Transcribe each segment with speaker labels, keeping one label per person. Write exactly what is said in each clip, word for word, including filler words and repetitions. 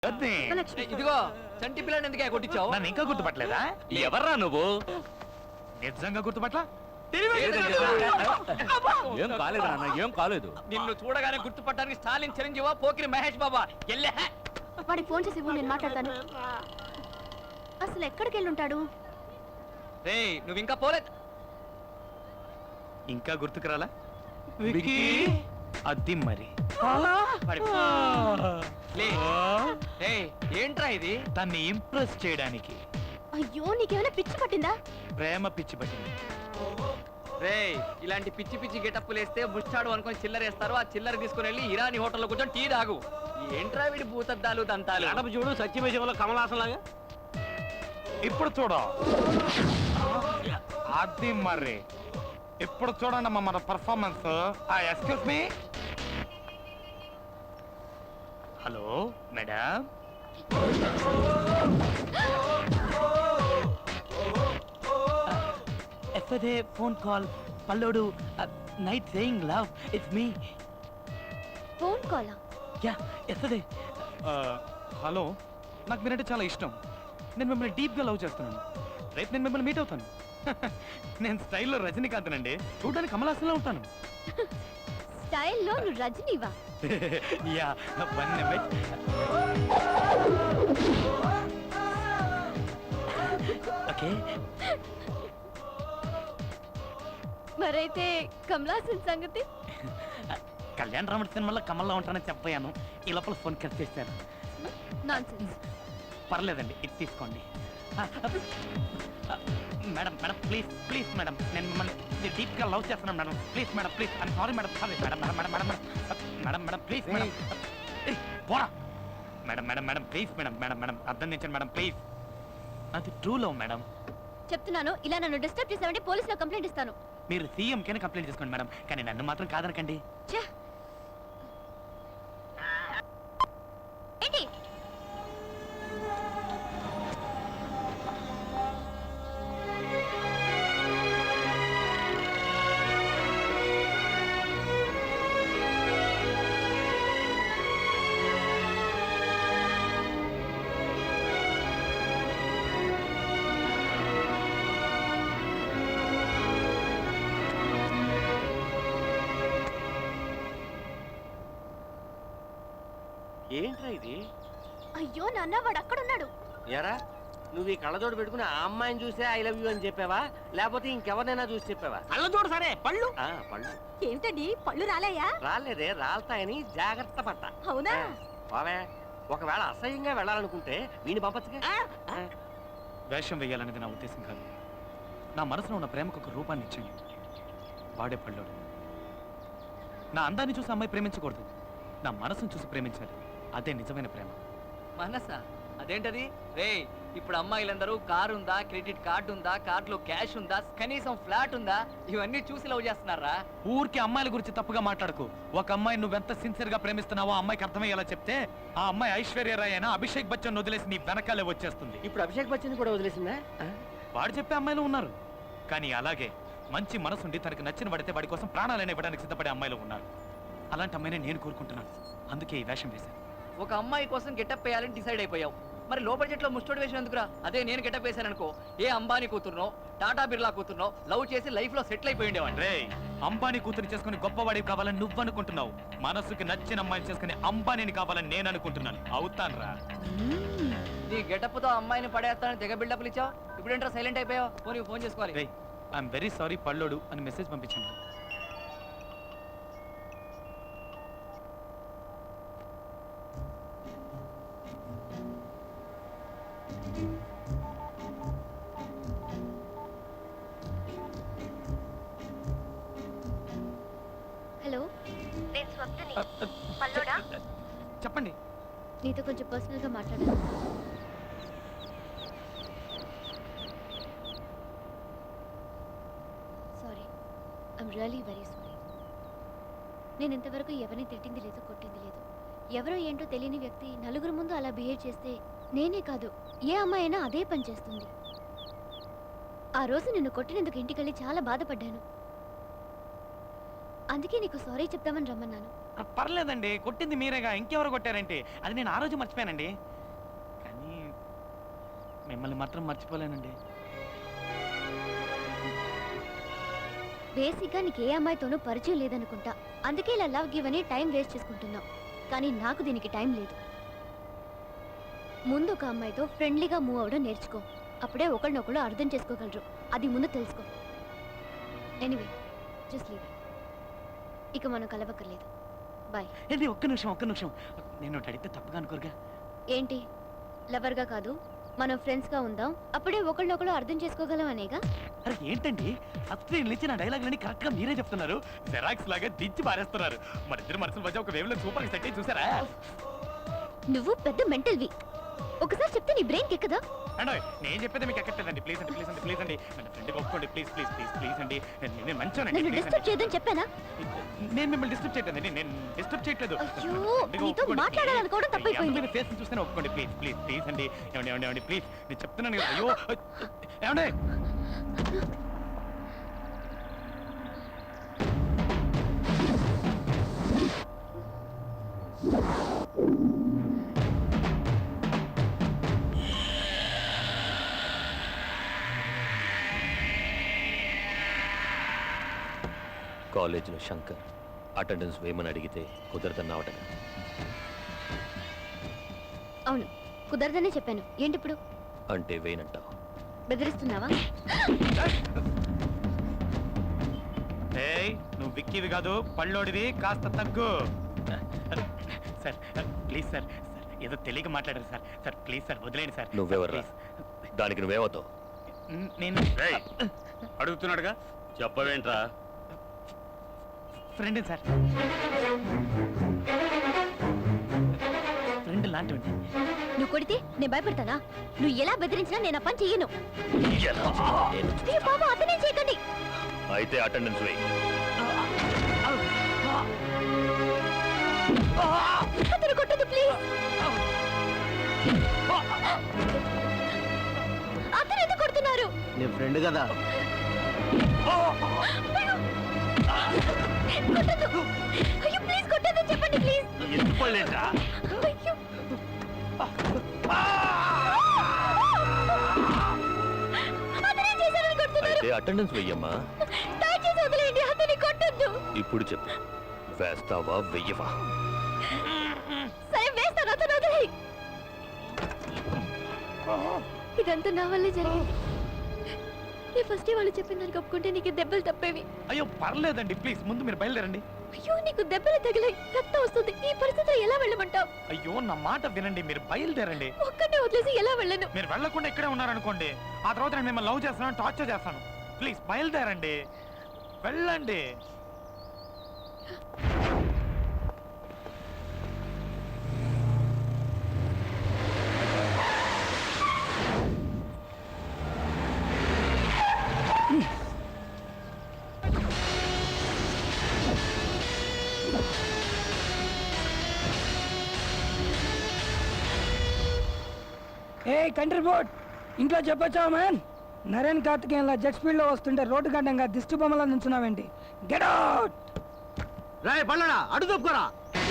Speaker 1: ఇదిగో చంటి పిల్లని ఎందుకే కొట్టించావు?
Speaker 2: నన్ను ఇంకా గుర్తుపట్టలేదా? ఎవర్రా నువ్వు? నిజంగా గుర్తుపట్ల?
Speaker 3: ఏం కాలేదు నాన్న, ఏం కాలేదు.
Speaker 1: నిన్ను చూడగానే గుర్తుపట్టడానికి స్టాలిన్ చిరంజీవా పోకిరి మహేష్ బాబా ఎల్లే.
Speaker 4: వాడికి ఫోన్ చేసి ఇవ్వు, నేను మాట్లాడతాను. అసలు ఎక్కడికి వెళ్ళి ఉంటాడు?
Speaker 1: రేయ్ నువ్వు ఇంకా పోలేదు.
Speaker 2: ఇంకా గుర్తుకురాలా? అది మరి
Speaker 1: ఏంట్రా ఇది?
Speaker 2: తన్ని ఇంప్రెస్ చేయడానికి.
Speaker 4: అయ్యో నీకేమైనా పిచ్చి పట్టిందా?
Speaker 2: ప్రేమ పిచ్చి పట్టింది.
Speaker 1: రేయ్ ఇలాంటి పిచ్చి పిచ్చి గెటప్పులు వేస్తే ముచ్చాడు అనుకొని చిల్లరేస్తారు. ఆ చిల్లర తీసుకుని వెళ్ళి ఇరానీ హోటల్లో కూర్చొని టీ తాగు. ఏంట్రా వీడి భూతద్దాలు దంతాలు?
Speaker 3: అడప చూడు సత్యమేశంలో కమలాసన్ లాగా.
Speaker 2: ఇప్పుడు చూడ అది మరి ఇప్పుడు చూడండి అమ్మా మన performance. Excuse me. Hello madam. FA phone call పల్లోడు night saying love it's me.
Speaker 4: Phone కాలా?
Speaker 2: Yeah FA. హలో, నాకు మీరంటే చాలా ఇష్టం. నేను మిమ్మల్ని డీప్గా లవ్ చేస్తున్నాను. రేపు నేను మిమ్మల్ని మీట్ అవుతాను. నేను స్టైల్లో రజనీకాంత్ అండి. చూడడానికి కమలాసన్లో ఉంటాను.
Speaker 4: స్టైల్లో నువ్వు రజనీవా?
Speaker 2: Yeah one minute. ఓకే.
Speaker 4: మరైతే కమలాసన్ సంగతి?
Speaker 2: కళ్యాణ్ రాముడి సినిమాలో కమల్లో ఉంటానని చెప్పాను. ఈ లోపల ఫోన్ కట్ చేశాను.
Speaker 4: నాన్సెన్స్.
Speaker 2: పర్లేదండి, ఇది తీసుకోండి. Madam madam please please madam, నేను మిమ్మల్ని డీప్గా లవ్ చేస్తున్నాను madam. Please madam please. I'm sorry madam. Sorry madam madam madam madam madam madam please madam. పోరా madam madam madam please madam madam madam అర్థం చేయండి మేడం ప్లీజ్. అది true love madam.
Speaker 4: చెప్తున్నాను, ఇలా నన్ను డిస్టర్బ్ చేసావంటే పోలీసులో కంప్లైంట్ ఇస్తాను.
Speaker 2: మీరు సీఎం కైనా కంప్లైంట్ చేసుకోండి మేడం, కానీ నన్ను మాత్రం కాదనకండి.
Speaker 4: ఏంటి?
Speaker 3: ఏంట్రా ఇది?
Speaker 4: అయ్యో నాన్న, వాడు అక్కడున్నాడు.
Speaker 3: ఎరా నువ్వు ఈ కళ్ళజోడు పెట్టుకుని ఆ అమ్మాయిని చూసే ఐ లవ్ యూ అని చెప్పావా, లేకపోతే ఇంకెవరినైనా చూసి చెప్పావా? కళ్ళజోడు సరే, పళ్ళు పళ్ళు
Speaker 4: ఏమిటండి పళ్ళు రాలేయా?
Speaker 3: రాలేదే, రాలతాయని జాగ్రత్త పడ్డా.
Speaker 4: అవునా?
Speaker 3: బావే, ఒకవేళ అసహ్యంగా వెళ్ళాలనుకుంటే వీడిని పంపచ్చుగా.
Speaker 2: వేషం వేయాలనేది నా ఉద్దేశం కాదు. నా మనసులో ఉన్న ప్రేమకు ఒక రూపాన్ని ఇచ్చాను. వాడే పళ్ళోడు. నా అందాన్ని చూసి అమ్మాయి ప్రేమించకూడదు, నా మనసును చూసి ప్రేమించాలి. అదే నిజమైన ప్రేమ.
Speaker 1: మనసా? అదేంటది? రేయ్ ఇప్పుడు అమ్మాయిలందరూ కారు ఉందా, క్రెడిట్ కార్డు ఉందా, కార్డులో క్యాష్ ఉందా, కనీసం ఫ్లాట్ ఉందా, ఇవన్నీ చూసి లవ్ చేస్తున్నారా?
Speaker 2: ఊరికి అమ్మాయిల గురించి తప్పుగా మాట్లాడకు. ఒక అమ్మాయి నువ్వెంత సిన్సియర్ గా ప్రేమిస్తున్నావో అమ్మాయికి అర్థమయ్యేలా చెప్తే ఆ అమ్మాయి ఐశ్వర్య రాయ్ అయినా అభిషేక్ బచ్చన్ వదిలేసి నీ వెనకాలే వచ్చేస్తుంది.
Speaker 3: ఇప్పుడు అభిషేక్ బచ్చన్ కూడా వదిలేసిందా?
Speaker 2: వాడు చెప్పే అమ్మాయిలు ఉన్నారు, కానీ అలాగే మంచి మనసుండి తనకు నచ్చిన పడితే వాడి కోసం ప్రాణాలైనా ఇవ్వడానికి సిద్ధపడే అమ్మాయిలు ఉన్నారు. అలాంటి అమ్మాయిని నేను కోరుకుంటున్నాను. అందుకే ఈ వేషం వేశాను.
Speaker 1: ఒక అమ్మాయి కోసం గెటప్ వేయాలని డిసైడ్ అయిపోయావు. మరి లో బడ్జెట్ లో ముస్టోడ్ వేషన్ ఎందుకురా? అదే నేను గెటప్ వేశాను అనుకో, ఏ అంబానీ కూతురునో టాటా బిర్లా కూతురునో లవ్ చేసి లైఫ్ లో సెటిల్ అయిపోయి ఉండేవాడిని.
Speaker 2: రే, అంబానీ కూతురు చేసుకుని గొప్పవాడివి కావాలని నువ్వు అనుకుంటున్నావు. మనసుకి నచ్చిన అమ్మాయిని చేసుకుని అంబానీని కావాలని నేను అనుకుంటున్నాను. అవుతాను రా.
Speaker 1: నీ గెటప్ తో అమ్మాయిని పడేస్తానని తెగ బిల్డప్లు ఇచ్చావు. ఇప్పుడు ఏంట్రా సైలెంట్ అయిపోయావు? ఫోన్ ఫోన్ చేసుకోవాలి.
Speaker 2: రే, ఐఎమ్ వెరీ సారీ పల్లోడు అని మెసేజ్ పంపించండి.
Speaker 4: హలో, నేను స్వప్నని. పల్లోడా?
Speaker 2: చెప్పండి.
Speaker 4: నీతో కొంచెం పర్సనల్ గా మాట్లాడాలి. Sorry, I'm really very sorry. నేను ఇంతవరకు ఎవరిని తిట్టింది లేదు, కొట్టింది లేదు. ఎవరో ఏంటో తెలియని వ్యక్తి నలుగురు ముందు అలా బిహేవ్ చేస్తే నేనే కాదు, ఏ అమ్మాయి అయినా అదే పని చేస్తుంది. ఆ రోజు నిన్ను కొట్టినందుకు ఇంటికెళ్ళి చాలా బాధపడ్డాను. అందుకే నీకు సారీ చెప్తామని రమ్మన్నాను.
Speaker 2: పర్లేదండి, కొట్టింది మీరేగా, ఇంకెవరు కొట్టారంటే అది నేను ఆ రోజు మర్చిపోయానండి. మిమ్మల్ని మాత్రం మర్చిపోలేనండి.
Speaker 4: బేసిక్గా నీకు ఏ అమ్మాయితోనూ పరిచయం లేదనుకుంటా, అందుకే ఇలా లవ్ గివ్ అని టైం వేస్ట్ చేసుకుంటున్నావు. కానీ నాకు దీనికి టైం లేదు. ముందు ఒక అమ్మాయితో ఫ్రెండ్లీగా మూవ్ అవ్వడం నేర్చుకో, అప్పుడే ఒకళ్ళనొకళ్ళు అర్థం చేసుకోగలరు. అది ముందు తెలుసుకో. Anyway just leave. ఇక మనం కలవక్కర్లేదు. బాయ్.
Speaker 2: ఏంటి ఒక్క నిమిషం ఒక్క నిమిషం నేను ఒకటి అడిగితే తప్పుగా అనుకోరుగా?
Speaker 4: ఏంటి? లవర్గా కాదు, మనం ఫ్రెండ్స్గా ఉందాం, అప్పుడే ఒకళ్ళనొకళ్ళు అర్థం చేసుకోగలం అనేగా.
Speaker 2: అరే ఏంటండి ఫస్ట్ నేను ఇచ్చిన డైలాగులని కరెక్ట్ గా మీరే చెప్తున్నారు. జెరాక్స్ లాగా దించి పారేస్తున్నారు. మన ఇద్దరు మనసుల మధ్య ఒక వేవ్ లో సూపర్ సెట్ అయ్యి చూసారా?
Speaker 4: నువ్వు పెద్ద మెంటల్వి. ఒకసారి చెప్తే నీ బ్రెయిన్ ఎక్కదా?
Speaker 2: అండి నేను చెప్పేది మీకు ఎక్కట్లేదండి. ప్లీజ్ అండి ప్లీజ్ అండి ప్లీజ్ అండి మన ఫ్రెండ్కి ఒప్పుకోండి ప్లీజ్ ప్లీజ్ ప్లీజ్ ప్లీజ్ అండి. నేను మంచోనండి.
Speaker 4: నన్ను డిస్టర్బ్ చేయదని చెప్పానా?
Speaker 2: నేను మిమ్మల్ని డిస్టర్బ్ చేయట్లేదండి. నేను డిస్టర్బ్ చేయట్లేదు.
Speaker 4: అయ్యో, నీతో మాట్లాడాలనుకోవడం తప్పైపోయింది.
Speaker 2: ఫేస్ చూస్తేనే ఒప్పుకోండి ప్లీజ్ ప్లీజ్ ప్లీజ్ అండి. ఏమండి ఏమండి ఏమండి ప్లీజ్ నేను చెప్తున్నాను కదా. అయ్యో ఏమండి
Speaker 5: కాలేజీలో శంకర్ అటెండెన్స్ వేయమని అడిగితే కుదరదన్నావట.
Speaker 4: అవును, కుదరదనే చెప్పాను. ఏంటి ఇప్పుడు?
Speaker 5: అంటే వేయనంటావు?
Speaker 4: బెదిరిస్తున్నావా?
Speaker 2: ఏయ్ నువ్వు విక్కివి కాదు, పళ్ళోడివి, కాస్త తగ్గు. సార్ ప్లీజ్ సార్ సార్ ఏదో తెలియక మాట్లాడారు సార్. సార్ ప్లీజ్ సార్ వదిలేండి సార్.
Speaker 5: నువ్వెవర్రా? దానికి నువ్వేమవుతావు?
Speaker 2: నేను
Speaker 3: అడుగుతున్నాడుగా చెప్పవేంట్రా?
Speaker 2: Friend sir. ఫ్రెండ్ లాంటివండి.
Speaker 4: నువ్వు కొడితే నేను భయపడతానా? నువ్వు ఎలా బెదిరించినా నేను ఆ పని చెయ్యను.
Speaker 5: ఎలా చేయాలో నేను
Speaker 4: ఏ బాబా, అతనే చేయకండి.
Speaker 5: అయితే అటెండెన్స్ వేయి.
Speaker 4: అతను కొట్టదు ప్లీజ్. అతను ఎందుకు కొడుతున్నారు?
Speaker 3: నేను ఫ్రెండ్ కదా.
Speaker 4: కొట్టదు. అయ్యో ప్లీజ్ కొట్టదు, చెప్పండి ప్లీజ్.
Speaker 3: ఎందుకోలేంట్రా?
Speaker 4: అయ్యో. అతనే చేశారని కొడుతున్నారు.
Speaker 5: అయితే అటెండెన్స్ వెయ్యమ్మా.
Speaker 4: దయచేసి వదిలేయండి, అతని కొట్టద్దు.
Speaker 5: ఇప్పుడు చెప్పు, వేస్తావా వెయ్యవా?
Speaker 4: సరే వేస్తాను, అతను వదిలేయి. ఇదంతా నా వల్లే జరిగింది. నీ ఫస్ట్ వాళ్ళు చెప్పిన దానికి ఒప్పుకుంటే నీకు దెబ్బలు తప్పేవి.
Speaker 2: అయ్యో పర్లేదండి ప్లీజ్ ముందు మీరు బయలుదేరండి.
Speaker 4: అయ్యో నీకు దెబ్బలు తగిలాయి, రక్తం వస్తుంది. ఈ పరిస్థితిలో ఎలా వెళ్ళమంటావు?
Speaker 2: అయ్యో నా మాట వినండి, మీరు బయలుదేరండి.
Speaker 4: ఒక్కటే వదిలేసి ఎలా వెళ్ళను?
Speaker 2: మీరు వెళ్ళకుండా ఇక్కడే ఉన్నారనుకోండి, ఆ తర్వాత నేను మిమ్మల్ని లవ్ చేస్తాను, టార్చర్ చేస్తాను. ప్లీజ్ బయలుదేరండి, వెళ్ళండి.
Speaker 6: ఏ కంట్రీ బోర్డ్, ఇంట్లో చెప్పొచ్చావా మ్యాన్? నరేన్ కార్తికేయన్లా జెట్ స్పీడ్లో వస్తుంటే రోడ్డు గడ్డంగా దిష్టి బొమ్మలా నుంచున్నావేంటి? Get out!
Speaker 3: రాయ్ పల్లడా, అడు తప్పుకోరా.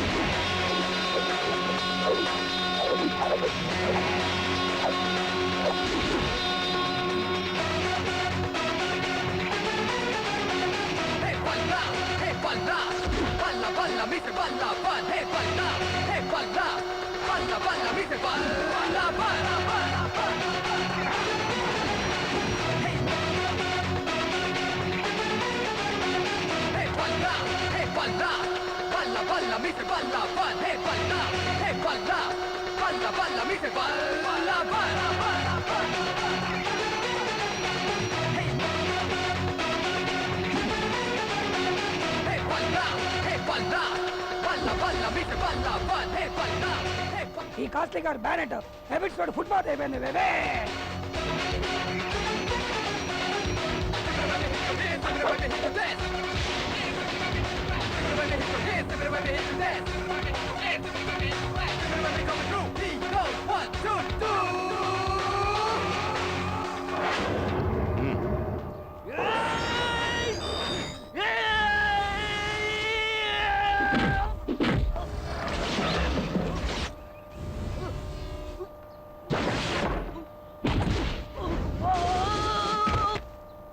Speaker 6: ఈ కాస్ట్లీ గారు బ్యానెట్ హ్యాబిట్స్ తోటి ఫుట్బాల్ అయిపోయింది బేబే.
Speaker 1: Everybody hit the dance.